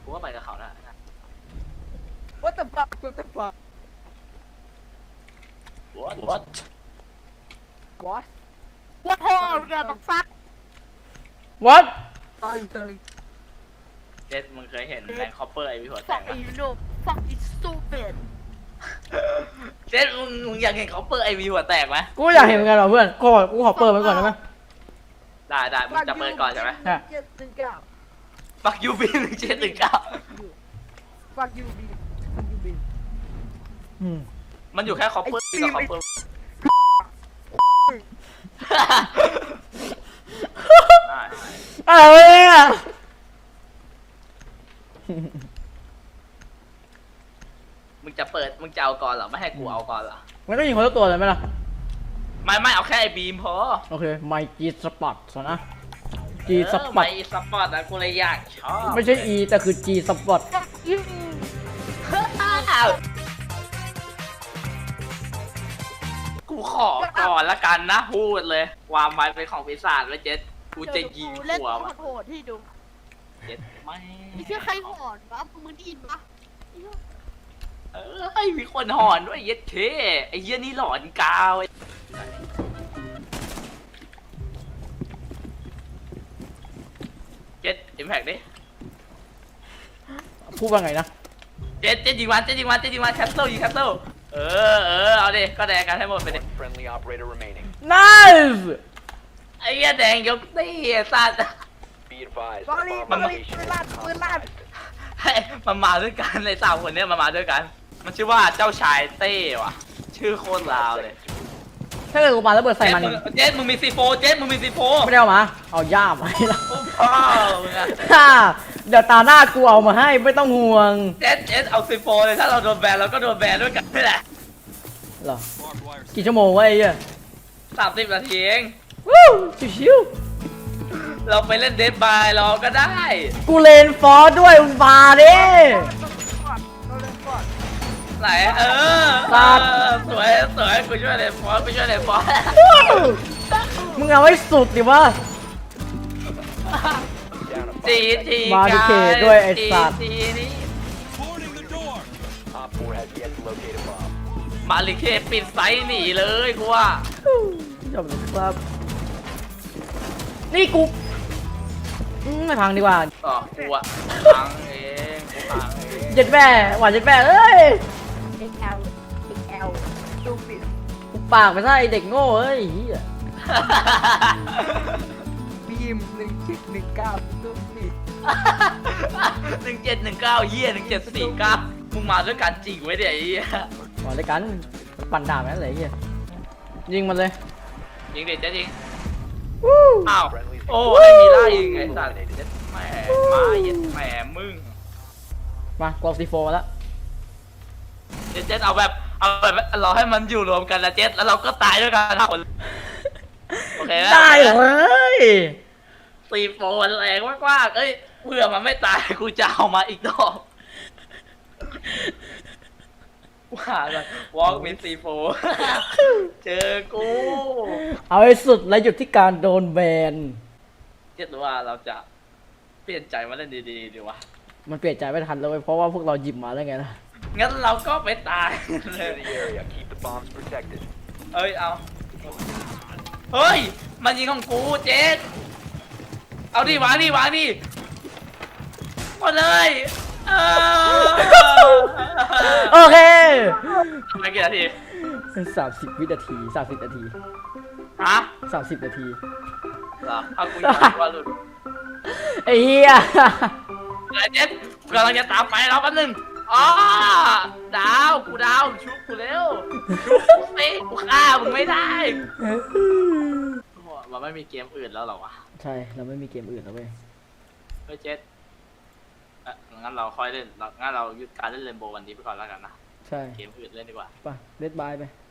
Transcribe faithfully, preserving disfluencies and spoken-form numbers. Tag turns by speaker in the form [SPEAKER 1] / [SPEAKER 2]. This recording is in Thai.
[SPEAKER 1] กูก็ไปกับเขาแล้ว
[SPEAKER 2] What the fuck What the fuck
[SPEAKER 1] What What
[SPEAKER 2] What
[SPEAKER 3] What hole the fuck
[SPEAKER 4] What
[SPEAKER 2] Sorry sorry
[SPEAKER 1] เจสมึงเคยเห็นแมนคอปเปอร์ไอวีหัวแต
[SPEAKER 3] fuck
[SPEAKER 1] กไหม
[SPEAKER 3] you know fuck is stupid
[SPEAKER 1] เจสมึงมึงอยากเห็นคอปเปอร์ไอวีหัวแตกไหม
[SPEAKER 4] กูอยากเห็นเหมือนกันเหรอเพื่อนกูขอกูขอเปิดมันก่อนได้ไหม
[SPEAKER 1] ได้ได้มึงจะเปิดก่อนใช่ไหม
[SPEAKER 4] ฮะ
[SPEAKER 2] เจ็ดหนึ่งเก้า
[SPEAKER 1] ปักยูบีหนึ่งเจ็ดหนึ่งเก้า
[SPEAKER 2] Fuck you B Fuck you B
[SPEAKER 4] อืม
[SPEAKER 1] มันอยู่แค่คอปเปอร์กับคอปเปอร์
[SPEAKER 4] อะไรเนี่ย
[SPEAKER 1] มึงจะเปิดมึงจะเอาก่อนเหรอไม่ให้กูเอาก่อนเหรอ
[SPEAKER 4] มันต้องยิงคนละตัวเลยไหมล่ะ
[SPEAKER 1] ไม่ไม่เอาแค่ไอ้บีมพอ
[SPEAKER 4] โอเคไมจีสปอตสนะจีส
[SPEAKER 1] เออ
[SPEAKER 4] ปอต
[SPEAKER 1] ไม่สปอร์ตนะกูเลยอยากชอบ
[SPEAKER 4] ไม่ใช่ E แต่คือ G สปอต
[SPEAKER 3] fuck you
[SPEAKER 1] กูขอก่อนละกันนะพูดเลยความหมายเป็นของปีศาจไว้เจ็ดกูจะยิง
[SPEAKER 3] เล่น
[SPEAKER 1] หัว
[SPEAKER 3] ตัว
[SPEAKER 1] มัน
[SPEAKER 3] โหดที่ดู
[SPEAKER 1] เจ็ดไม่
[SPEAKER 3] ไม่ใช่ใครหอนวะมึงได้ยินปะ
[SPEAKER 1] เออไอ้มีคนหอนด้วยเย็ดเคไอ้เหี้ยนี่หลอนกาวไอ้เจ็ดอิมแพกดิ
[SPEAKER 4] พูดว่าไงนะ
[SPEAKER 1] เจ็ดเจ็ดยิงวันเจ็ดยิงวันเจ็ดยิงวันแคสเซิลยิงแคสเซิลเออเออเอาดิก็แดงกันให้หมดไปดิ
[SPEAKER 5] Friendly operator remaining.
[SPEAKER 4] Nice
[SPEAKER 1] ไอ้เหี้ยแดงยกตีไอ้สัตว์
[SPEAKER 5] Be advised.
[SPEAKER 2] Sorry
[SPEAKER 5] bomb
[SPEAKER 2] sorry
[SPEAKER 5] location
[SPEAKER 2] ปืน
[SPEAKER 5] is
[SPEAKER 2] ลั่นปืนลั่น
[SPEAKER 5] compromised.
[SPEAKER 1] ให้มันมาด้วยกันเลยสามคนเนี้ยมันมาด้วยกัน มันชื่อว่าเจ้าชายเต้ว่ะ ชื่อโคตรลาวเลย
[SPEAKER 4] ถ้าเกิดกูปาระเบิดใส่มัน
[SPEAKER 1] เจสมึงเจสมึงมีซีโฟเจสมึงมีซีโฟ
[SPEAKER 4] ไม่ได้เอามา เอาย่ามมาให้เรา
[SPEAKER 1] พ่อมึงอะ
[SPEAKER 4] ฮ่าเดี๋ยวตาหน้ากูเอามาให้ไม่ต้องห่วง
[SPEAKER 1] เจสเจสเอาซีโฟเลยถ้าเราโดนแบนเราก็โดนแบนด้วยกันนี่แหละ
[SPEAKER 4] เหรอ กี่ชั่วโมงวะไอ้เหี้ย
[SPEAKER 1] สามสิบนาทีเอง
[SPEAKER 4] วู้ชิว
[SPEAKER 1] เราไปเล่นเดดบายเราก็ได้
[SPEAKER 4] ๆกูเลนฟอร์ด้วยมึงมาดิ
[SPEAKER 2] เราเล่นก่อน
[SPEAKER 1] ไหนเออ
[SPEAKER 4] สัตว์
[SPEAKER 1] เออสวยสวยกูช่วยเลยฟอสกูช่วยเลยฟอส
[SPEAKER 4] มึงเอาให้สุดดิวะ
[SPEAKER 5] Down to
[SPEAKER 1] จีจี
[SPEAKER 4] มาดิเคด้วยไอ้สัตว์
[SPEAKER 1] จีนี่
[SPEAKER 5] Op four has yet to locate a bomb.
[SPEAKER 1] มาลิเคปิดไซส์หนีเลยกูว่า
[SPEAKER 4] จบเลยครับ นี่กูอืมไม่พังดีกว่า
[SPEAKER 1] ต่อกูอะพังเองกูพังเอง
[SPEAKER 4] เจ็ดแม่หวานเจ็ดแม่เอ้ย
[SPEAKER 2] เอ็กแอลเอ็กแอลดูปิด
[SPEAKER 4] กูปากไปซะไอเด็กโง่เอ้ยเหี้ย
[SPEAKER 2] บีมหนึ่งเจ็ดหนึ่งเก้าดูปิด
[SPEAKER 1] หนึ่งเจ็ดหนึ่งเก้าเยี่ยหนึ่งเจ็ดสี่เก้ามึงมาด้วยกันจริงไว้เดี๋ยวไอ้เหี้ย
[SPEAKER 4] หวานด้วยกันปั่นด่าแม่งเลยไอ้เหี้ยยิงมันเลย
[SPEAKER 1] ยิงเด็ดจะยิง
[SPEAKER 4] วู้
[SPEAKER 1] อ้าวโอ้ไม่มีไล่ยิงไอ้สัตว์เจ็ดแหม่มาเย็ดแหม่มึง
[SPEAKER 4] มากรอบซีโฟมาแล้ว
[SPEAKER 1] เจ็ดเจ็ดเอาแบบเอาแบบเราให้มันอยู่รวมกันนะเจ็ดแล้วเราก็ตายด้วยกันทั้งคนโอเคหม
[SPEAKER 4] ได้เลย
[SPEAKER 1] ซีโฟนแรงมากๆเอ้ยเพื่อมันไม่ตายกูจะเอามาอีกดอกว่าเลยวอล์กมีซีโฟเจอกู
[SPEAKER 4] เอาให้สุดและหยุดที่การโดนแบน
[SPEAKER 1] เจ็ดว่าเราจะเปลี่ยนใจมาเล่นดีๆดีวะ
[SPEAKER 4] มันเปลี่ยนใจไม่ทันเลยเพราะว่าพวกเราหยิบมาแล้วไงล่ะ
[SPEAKER 1] งั้นเราก็ไปตายเล
[SPEAKER 5] Secure
[SPEAKER 1] ย
[SPEAKER 5] the area. Keep the bombs protected.
[SPEAKER 1] เอ้ยเอาเฮ้ยมันยิงของกูเจ็ดเอาดิวางดิวางดิหมดเลยเออ
[SPEAKER 4] โอเค
[SPEAKER 1] ไม่กี่นาที
[SPEAKER 4] สามสิบวินาทีสามสิบนาที
[SPEAKER 1] ฮะ
[SPEAKER 4] สามสิบนาที
[SPEAKER 1] เหรอเอากูอยากว่าหลุด
[SPEAKER 4] ไอ้เหี้ย
[SPEAKER 1] เดี๋ยวเจ็ดกำลังจะตามไปแล้วแป๊บนึงอ๋อดาวกูดาวชุบกูเร็วชุบกูสิกูฆ่ามึงไม่ได้โอ้โหมันไม่มีเกมอื่นแล้วเหรอวะ
[SPEAKER 4] ใช่เราไม่มีเกมอื่นแล้วเว้ย
[SPEAKER 1] เฮ้ยเจ็ดเอ่ะงั้นเราค่อยเล่นเรางั้นเราหยุดการเล่นเรนโบว์วันนี้ไปก่อนแล้วกันนะ
[SPEAKER 4] ใช่
[SPEAKER 1] เกมอื่นเล่นดีกว่า
[SPEAKER 4] ไปเลดบายไป